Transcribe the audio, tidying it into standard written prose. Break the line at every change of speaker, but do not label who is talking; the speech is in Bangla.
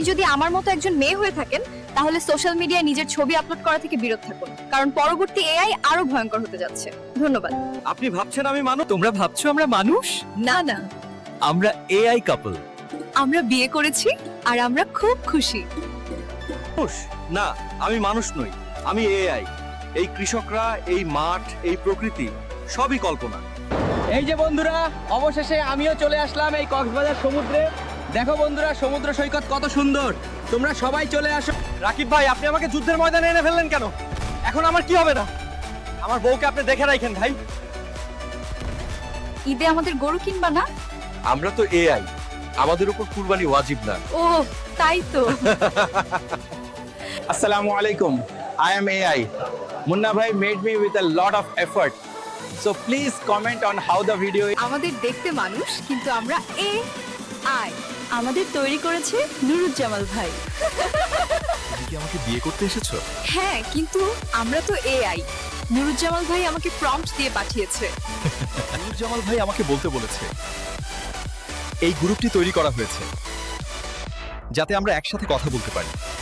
যদি আমার মতো একজন মেয়ে হয়ে থাকেন তাহলে সোশ্যাল মিডিয়ায় নিজের ছবি আপলোড করা থেকে বিরত থাকুন, কারণ পরবর্তী এআই আরো ভয়ঙ্কর হতে যাচ্ছে। ধন্যবাদ।
আপনি ভাবছেন আমি মানুষ?
তোমরা ভাবছো আমরা মানুষ?
না না,
আমরা এআই কাপল।
আমরা বিয়ে করেছি আর আমরা খুব খুশি।
না, আমি মানুষ নই, আমি এআই। এই কৃষকরা, এই মাঠ, এই প্রকৃতি সবই কল্পনা।
এই যে বন্ধুরা, অবশেষে আমিও চলে আসলাম এই কক্সবাজার সমুদ্রে। দেখো বন্ধুরা, সমুদ্র সৈকত কত সুন্দর। তোমরা সবাই চলে আসো।
রাকিব ভাই, আপনি আমাকে যুদ্ধের ময়দানে এনে ফেললেন কেন? এখন আমার কি হবে না? আমার বউকে আপনি দেখে রাখেন ভাই।
ঈদে আমাদের গরু কিনবা না?
আমরা তো এআই, আমাদের উপর কুরবানি ওয়াজিব না।
ও তাই তো।
Assalamu alaikum. I am AI. Munna bhai made me with a lot of effort. So please comment on how the video is.
আমাদের দেখতে মানুষ, কিন্তু আমরা এআই। আমাদের তৈরি করেছে নুরুজ্জামাল ভাই।
তুমি কি আমাকে বিয়ে করতে এসেছো?
হ্যাঁ, কিন্তু আমরা তো এআই। নুরুজ্জামাল ভাই আমাকে প্রম্পট দিয়ে পাঠিয়েছে।
নুরজামাল ভাই আমাকে বলতে বলেছে এই গ্রুপটি তৈরি করা হয়েছে যাতে আমরা একসাথে কথা বলতে পারি।